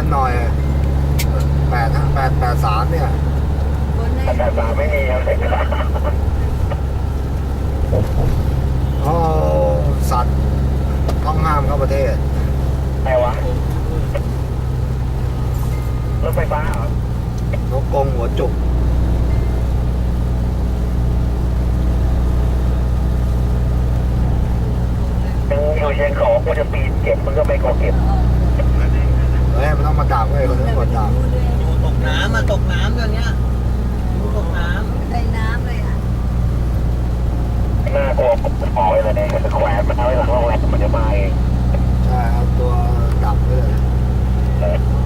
หน่อย883เนี่ย 883ไม่มีครับเขาเอาสัตว์ต้องห้ามเข้าประเทศอะไรวะรถไฟฟ้าเหรอนกกรงหัวจุกยังอยู่เชียงของกูจะปีนเก็บมันก็ไม่ก็เก็บเฮ้ยมันต้องมาดักเว้ยคนนึงกดดักอยู่ตกน้ำมาตกน้ำตอนเนี้ยอยู่ตกน้ในน้ำเลยอ่ะหน้ากลัวปล่อยเลยเนี่ยแขวนมันเอาไว้หลังโรงแรมมันจะมาเองใช่ครับตัวดักไปเลย